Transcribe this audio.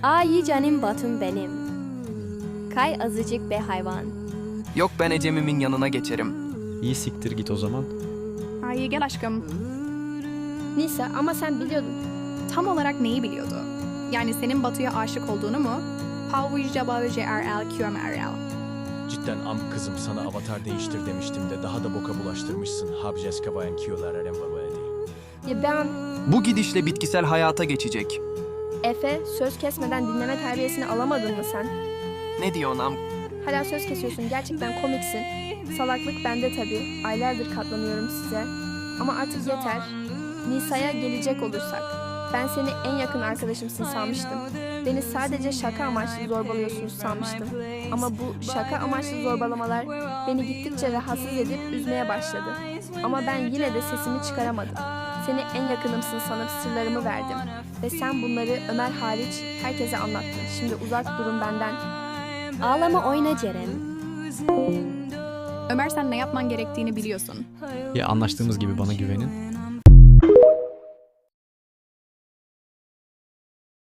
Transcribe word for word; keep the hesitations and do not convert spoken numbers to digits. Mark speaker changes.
Speaker 1: Ay canım Batum benim. Kay azıcık be hayvan.
Speaker 2: Yok ben Ecem'imin yanına geçerim.
Speaker 3: İyi siktir git o zaman.
Speaker 4: Ay gel aşkım.
Speaker 5: Nisa ama sen biliyordun.
Speaker 4: Tam olarak neyi biliyordu? Yani senin Batu'ya aşık olduğunu mu?
Speaker 6: Cidden am kızım sana avatar değiştir demiştim de daha da boka bulaştırmışsın. Habjes kavayan kiyolar arem
Speaker 5: Ya ben
Speaker 2: Bu gidişle bitkisel hayata geçecek.
Speaker 5: Efe söz kesmeden dinleme terbiyesini alamadın mı sen?
Speaker 2: Ne diyorsun am?
Speaker 5: Hala söz kesiyorsun, gerçekten komiksin. Salaklık bende tabii. Aylardır katlanıyorum size. Ama artık yeter. Nisa'ya gelecek olursak. Ben seni en yakın arkadaşımsın sanmıştım. Beni sadece şaka amaçlı zorbalıyorsunuz sanmıştım. Ama bu şaka amaçlı zorbalamalar beni gittikçe rahatsız edip üzmeye başladı. Ama ben yine de sesimi çıkaramadım. Seni en yakınımsın sanıp sırlarımı verdim. Ve sen bunları Ömer hariç herkese anlattın. Şimdi uzak durun benden.
Speaker 1: Ağlama oyna Ceren.
Speaker 4: Ömer sen ne yapman gerektiğini biliyorsun.
Speaker 3: Ya anlaştığımız gibi bana güvenin